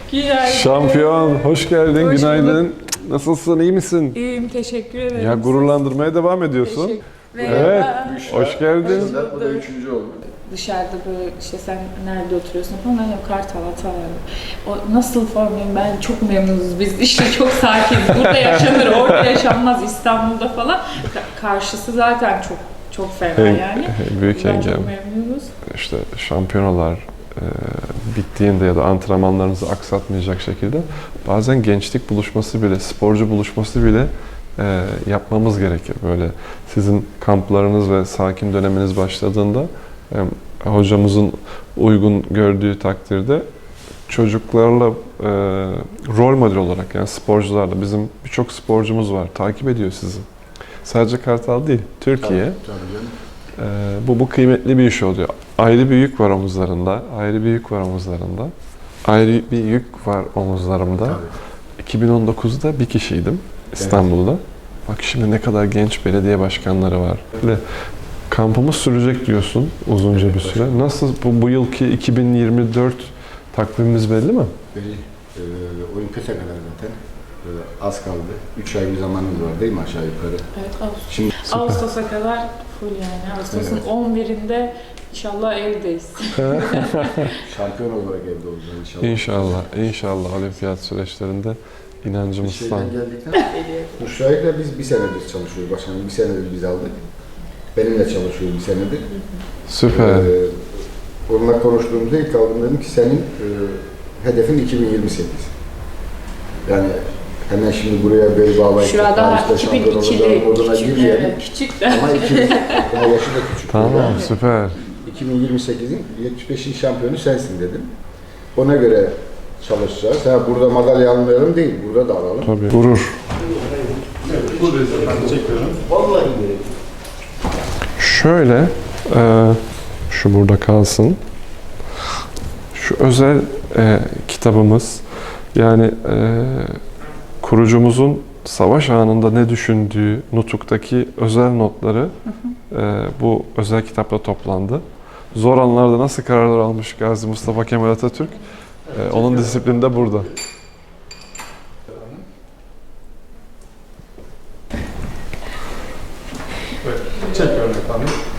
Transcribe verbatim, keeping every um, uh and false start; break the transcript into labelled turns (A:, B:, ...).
A: Günaydın.
B: Şampiyon, hoş geldin,
A: Hoş
B: günaydın.
A: bulduk.
B: Nasılsın, iyi misin?
A: İyiyim, teşekkür ederim.
B: Ya gururlandırmaya devam ediyorsun.
A: Teşekkür-
B: Evet,
A: Merhaba.
B: hoş geldin.
C: Bu da üçüncü oldu.
A: Dışarıda böyle işte sen nerede oturuyorsun falan, ben yok Kartal Hatay'ım. O nasıl formuyum, ben çok memnunuz biz, işte çok sakiniz. Burada yaşanır, orada yaşanmaz, İstanbul'da falan. Ka- karşısı zaten çok çok fena
B: En-
A: yani.
B: Büyük
A: Biz çok
B: engel.
A: memnunuz.
B: İşte şampiyonalar e, bittiğinde ya da antrenmanlarınızı aksatmayacak şekilde bazen gençlik buluşması bile, sporcu buluşması bile e, yapmamız gerekir. Böyle sizin kamplarınız ve sakin döneminiz başladığında e, hocamızın uygun gördüğü takdirde çocuklarla e, rol model olarak, yani sporcularla, bizim birçok sporcumuz var, takip ediyor sizi. Sadece Kartal değil, Türkiye.
C: Tabii, tabii canım.
B: Ee, bu, bu kıymetli bir iş oluyor. Ayrı bir yük var omuzlarında, ayrı bir yük var omuzlarında. Ayrı bir yük var omuzlarımda.
C: Tabii.
B: iki bin on dokuzda bir kişiydim İstanbul'da. Bak şimdi ne kadar genç belediye başkanları var. Ve kampımız sürecek diyorsun uzunca
C: Evet,
B: bir süre. Nasıl bu, bu yılki iki bin yirmi dört takvimimiz belli mi?
C: Belli. Ee, Olimpiyata kadar zaten. Ee, az kaldı. Üç ay bir zamanımız var değil mi aşağı yukarı?
A: Evet, Ağustos.
C: Şimdi
A: Ağustos'a kadar full yani. Ağustos'un
C: Evet.
A: on birinde inşallah evdeyiz.
C: şampiyon olarak evde olacağız inşallah.
B: İnşallah, inşallah olimpiyat süreçlerinde
C: Bir
B: inancımız
C: şeyden
B: tam.
C: geldikten Müşahit'le biz bir senedir çalışıyoruz başkanım. Bir senedir biz aldık. Benimle çalışıyor bir senedir.
B: Süper.
C: Ee, onunla konuştuğumuzda ilk aldım dedim ki senin e, hedefin iki bin yirmi sekiz. Yani hemen şimdi buraya bel bağlayıp
A: Şurada
C: tarihte şampiyon olacağım
A: iki bin ikili,
C: moduna
A: küçük,
C: girmeyelim.
A: evet, küçük de.
C: Ama iki bin, daha yaşı da küçük.
B: Tamam,
C: Yani
B: süper.
C: iki bin yirmi sekizin yetmiş beşinci şampiyonu sensin dedim. Ona göre çalışacağız. Ha, burada madalya almayalım değil, burada da alalım.
B: Tabii. Gurur.
C: Buradayız efendim, çekiyorum. Vallahi gerek.
B: Şöyle, e, şu burada kalsın. Şu özel e, kitabımız, yani e, kurucumuzun savaş anında ne düşündüğü Nutuk'taki özel notları e, bu özel kitapta toplandı. Zor anlarda nasıl kararlar almış Gazi Mustafa Kemal Atatürk, e, onun disiplini de burada.
D: Çekiyorum efendim.